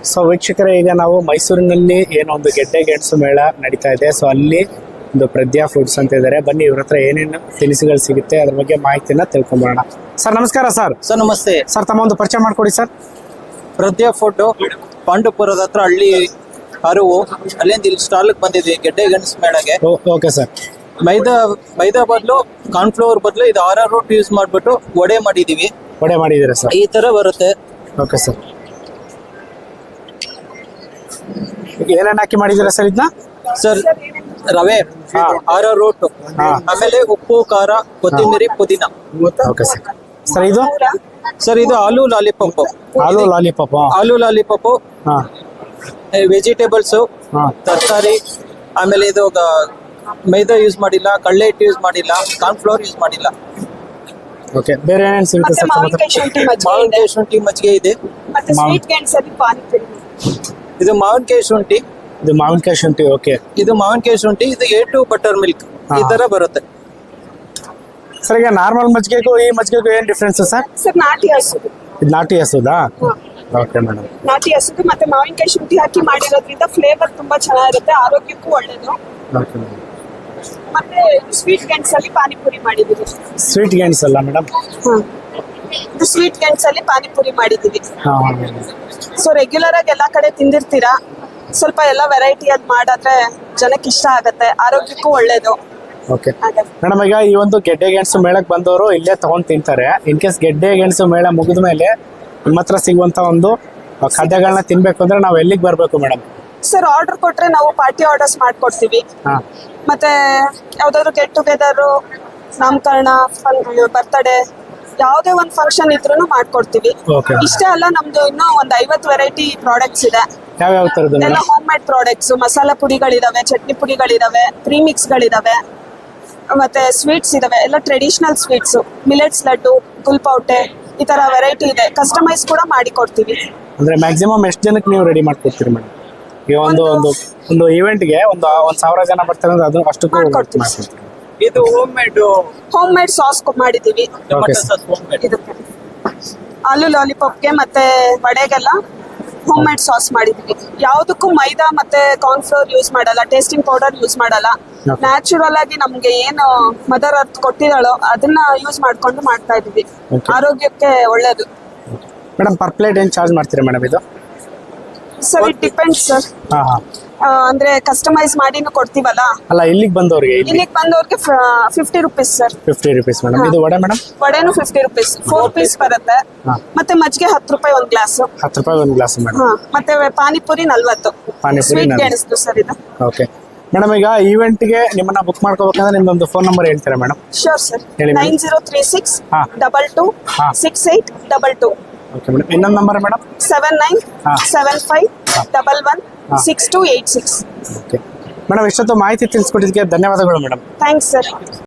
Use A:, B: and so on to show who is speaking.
A: So ವೀಕ್ಷಕರೇ, ಈಗ ನಾವು ಮೈಸೂರಿನಲ್ಲಿ ಏನೋ ಒಂದು ಗೆಡ್ಡೆ ಗೆಣಸು ಮೇಳ ನಡೀತಾ ಇದೆ. ಸೊ ಅಲ್ಲಿ ಒಂದು ಪ್ರದ್ಯಾ ಫುಡ್ಸ್ ಅಂತ ಇದ್ದಾರೆ. ಬನ್ನಿ ಇವ್ರ ಹತ್ರ ಏನೇನು ತಿನಿಸುಗಳು ಸಿಗುತ್ತೆ ಅದ್ರ ಬಗ್ಗೆ ಮಾಹಿತಿನ ತಿಳ್ಕೊಂಬೋಣ. ಸರ್ ನಮಸ್ಕಾರ.
B: ಸರ್ ನಮಸ್ತೆ
A: ಸರ್, ತಮ್ಮ ಒಂದು ಪರಿಚಯ ಮಾಡ್ಕೊಡಿ ಸರ್.
B: ಪ್ರದ್ಯಾ ಫುಡ್ ಪಾಂಡುಪುರದ ಹತ್ರ ಹಳ್ಳಿ ಅರಿವು, ಅಲ್ಲಿಂದ ಇಲ್ಲಿ ಸ್ಟಾಲ್ಗೆ ಬಂದಿದ್ವಿ ಗೆಡ್ಡೆ ಗೆಣಸು ಮೇಳಗೆ.
A: Okay sir.
B: ಮೈದಾ ಬದಲು ಕಾರ್ನ್ಫ್ಲವರ್ ಬದಲು ಇದು ರೂಟ್ ಯೂಸ್ ಮಾಡ್ಬಿಟ್ಟು ವಡೆ ಮಾಡಿದೀವಿ.
A: ವಡೆ ಮಾಡಿದ್ದೀರಾ ಸರ್?
B: ಈ ತರ ಬರುತ್ತೆ.
A: Okay sir. ಏನೇನು ಹಾಕಿ ಮಾಡಿದ್ದೀರಾ ಸರ್ ಇದನ್ನ?
B: ಸರ್ ರವೆ, ರೂಟ್, ಆಮೇಲೆ ಉಪ್ಪು, ಖಾರ, ಕೊತ್ತಂಬರಿ, ಪುದೀನ.
A: Okay sir. ಸರ್ ಇದು
B: ಸರ್ ಇದು aloo lollipop. Aloo lollipop, vegetables, ತರಕಾರಿ, ಆಮೇಲೆ ಇದು ಮೈದಾ ಯೂಸ್ ಮಾಡಿಲ್ಲ, ಕಡಲೆ ಹಿಟ್ಟು ಯೂಸ್ ಮಾಡಿಲ್ಲ, ಕಾರ್ನ್ಫ್ಲವರ್ ಯೂಸ್ ಮಾಡಿಲ್ಲ.
A: ಓಕೆ. ಬೇರೆ ಏನೇನು ಸಿಗುತ್ತೆ ಸರ್?
B: ಮಾವಿನಕಾಯಿ ಶುಂಠಿ ಮಜ್ಜಿಗೆ ಇದೆ. ಇದು ಮಾವಿನಕಾಯಿ ಶುಂಠಿ.
A: ಇದು ಮಾವಿನಕಾಯಿ ಶುಂಠಿ. ಓಕೆ.
B: ಇದು ಮಾವಿನಕಾಯಿ ಶುಂಠಿ. ಇದು A2 ಬಟರ್ ಮಿಲ್ಕ್. ಈ ತರ ಬರುತ್ತೆ
A: ಸರ್. ಈಗ ನಾರ್ಮಲ್ ಮಜ್ಜಿಗೆಗೂ ಈ ಮಜ್ಜಿಗೆಗೂ ಏನ್ ಡಿಫ್ರೆನ್ಸ್ ಸರ್?
C: ಸರ್ ನಾಟಿ ಹಸುದು.
A: ಇದು ನಾಟಿ ಹಸುದಾ? Okay madam.
C: ನಾಟಿ ಹಸುದು ಮತ್ತೆ ಮಾವಿನಕಾಯಿ ಶುಂಠಿ ಹಾಕಿ ಮಾಡಿರೋದ್ರಿಂದ ಫ್ಲೇವರ್ ತುಂಬಾ ಚೆನ್ನಾಗಿರುತ್ತೆ, ಆರೋಗ್ಯಕ್ಕೂ ಒಳ್ಳೇದು.
A: Okay madam.
C: ಮತ್ತೆ ಸ್ವೀಟ್ ಗೆಣಸಲ್ಲಿ ಪಾನಿಪುರಿ ಮಾಡಿದೀವಿ.
A: ಸ್ವೀಟ್ ಗೆಣಸ್ ಅಲ್ಲ ಮೇಡಮ್?
C: ಇದು ಸ್ವೀಟ್ ಗೆಣಸಲ್ಲಿ ಪಾನಿಪುರಿ ಮಾಡಿದೀವಿ. ಸೊ ರೆಗ್ಯುಲರ್ ಆಗಿ ಎಲ್ಲಾ ಕಡೆ ತಿಂದಿರ್ತೀರಾ, ಸ್ವಲ್ಪ ಎಲ್ಲ ವೆರೈಟಿ ಅಲ್ಲಿ ಮಾಡಿದ್ರೆ ಜನಕ್ಕೆ ಇಷ್ಟ ಆಗತ್ತೆ, ಆರೋಗ್ಯಕ್ಕೂ ಒಳ್ಳೇದು.
A: Okay madam. ಈಗ ಈ ಒಂದು ಗೆಡ್ಡೆ ಗೆಣಸು ಮೇಳಕ್ಕೆ ಬಂದವರು ಇಲ್ಲೇ ತಗೊಂಡು ತಿಂತಾರೆ. ಇನ್ ಕೇಸ್ ಗೆಡ್ಡೆ ಗೆಣಸು ಮೇಳ ಮುಗಿದ ಮೇಲೆ ನಿಮ್ಮ ಹತ್ರ ಸಿಗುವಂತ ಒಂದು ಖಾದ್ಯಗಳನ್ನ ತಿನ್ಬೇಕು ಅಂದ್ರೆ ನಾವು ಎಲ್ಲಿಗೆ ಬರಬೇಕು ಮೇಡಮ್?
C: ಸರ್ ಆರ್ಡರ್ ಕೊಟ್ರೆ ನಾವು ಪಾರ್ಟಿ ಆರ್ಡರ್ಸ್ ಮಾಡ್ಕೊಡ್ತೀವಿ. ಮತ್ತೆ ಯಾವ್ದಾದ್ರು ಗೆಟ್ ಟುಗೆದರ್, ನಾಮಕರಣ, ಬರ್ತಡೇ, ಯಾವುದೇ ಒಂದು ಫಂಕ್ಷನ್ ಇದ್ರೂ ಮಾಡ್ಕೊಡ್ತೀವಿ. ಇಷ್ಟೇ ಅಲ್ಲ, ನಮ್ದು ಇನ್ನೂ ಒಂದು 50 ವೆರೈಟಿ ಪ್ರಾಡಕ್ಟ್ಸ್ ಇದೆ.
A: ಯಾವ ತರದ್ದು?
C: ಎಲ್ಲ ಹೋಮ್ ಮೇಡ್ ಪ್ರಾಡಕ್ಟ್ಸ್, ಮಸಾಲಾ ಪುಡಿಗಳಿದಾವೆ, ಚಟ್ನಿ ಪುಡಿಗಳಿದಾವೆ, ಪ್ರೀಮಿಕ್ಸ್ಗಳಿದಾವೆ, ಮತ್ತೆ ಸ್ವೀಟ್ಸ್ ಇದಾವೆ. ಎಲ್ಲ ಟ್ರೆಡಿಷನಲ್ ಸ್ವೀಟ್ಸ್, ಮಿಲೆಟ್ಸ್ ಲಡ್ಡು, ಗುಲ್ಪೌಟೆ, ಈ ತರ ವೆರೈಟಿ ಇದೆ. ಕಸ್ಟಮೈಸ್ ಕೂಡ ಮಾಡಿ ಕೊಡ್ತೀವಿ.
A: ಅಂದ್ರೆ ಮ್ಯಾಕ್ಸಿಮಮ್ ಎಷ್ಟು ಜನಕ್ಕೆ ನೀವು ರೆಡಿ ಮಾಡ್ಕೊಡ್ತೀರಿ ಮೇಡಮ್? ಈಗ ಒಂದು ಇವೆಂಟ್ಗೆ ಒಂದು 1000 ಜನ ಬರ್ತಾರೆ ಅಂದ್ರೆ ಅದು ಅಷ್ಟಕ್ಕೂ
C: ಮಾಡ್ಕೊಡ್ತೀವಿ.
B: ಇದು ಹೋಮ್
C: ಮೇಡ್ ಸಾಸ್ ಮಾಡಿದೀವಿ. ಇದಕ್ಕೆ ಆಲೂ ಲಾಲಿಪಾಪ್ಗೆ ಮತ್ತೆ ವಡೆಗೆಲ್ಲ ಹೋಮ್ ಮೇಡ್ ಸಾಸ್ ಮಾಡಿದೀವಿ. ಯಾವ್ದಕ್ಕೂ ಮೈದಾ ಮತ್ತೆ ಕಾರ್ನ್ಫ್ಲವರ್ ಯೂಸ್ ಮಾಡಲ್ಲ, ಟೇಸ್ಟಿಂಗ್ ಪೌಡರ್ ಯೂಸ್ ಮಾಡಲ್ಲ. ನ್ಯಾಚುರಲ್ ಆಗಿ ನಮ್ಗೆ ಏನು ಮದರ್ ಅರ್ತ್ ಕೊಟ್ಟಿದ್ದಾಳೋ ಅದನ್ನ ಯೂಸ್ ಮಾಡ್ಕೊಂಡು ಮಾಡ್ತಾ ಇದೀವಿ. ಆರೋಗ್ಯಕ್ಕೆ ಒಳ್ಳೇದು.
A: ಮೇಡಮ್ ಪರ್ ಪ್ಲೇಟ್ ಏನ್ ಚಾರ್ಜ್ ಮಾಡ್ತೀರಾ ಮೇಡಮ್ ಇದು?
C: Sir it depends sir. ಅಂದ್ರೆ ಕಸ್ಟಮೈಸ್ ಮಾಡಿನೂ ಕೊಡ್ತೀವಲ್ಲ.
A: ಅಲ್ಲ, ಇಲ್ಲಿಗೆ ಬಂದವ್ರಿಗೆ
C: 50 ರುಪೀಸ್ ಸರ್.
A: 50 rupees madam. ಇದು ವಡೆ ಮೇಡಮ್?
C: ವಡೆನು 50 ರುಪೀಸ್, 4 ಪೀಸ್ ಬರುತ್ತೆ. ಮತ್ತೆ ಮಜ್ಜಿಗೆ 10 ರೂಪಾಯಿ ಒಂದು ಗ್ಲಾಸ್.
A: 10 ರೂಪಾಯಿ ಒಂದು ಗ್ಲಾಸ್ ಮೇಡಮ್.
C: ಮತ್ತೆ ಪಾನಿಪುರಿ 40. ಸ್ವೀಟ್ ಗೆಣಸು ಸರ್ ಇದು.
A: Okay madam. ಈಗ ಈವೆಂಟ್ಗೆ ನಿಮ್ಮನ್ನ ಬುಕ್ ಮಾಡ್ಕೋಬೇಕಂದ್ರೆ ನಿಮ್ದೊಂದು ಫೋನ್ ನಂಬರ್ ಹೇಳ್ತೀರಾ madam?
C: Sure sir. 9036 22 6822.
A: Okay madam. ಇನ್ನೊಂದು ನಂಬರ್ ಮೇಡಮ್?
C: 7975 11 6286.
A: ಓಕೆ ಮೇಡಮ್, ಇಷ್ಟೊತ್ತು ಮಾಹಿತಿ ತಿಳಿಸ್ಕೊಟ್ಟಿದ್ದಕ್ಕೆ ಧನ್ಯವಾದಗಳು ಮೇಡಮ್.
C: Thanks sir.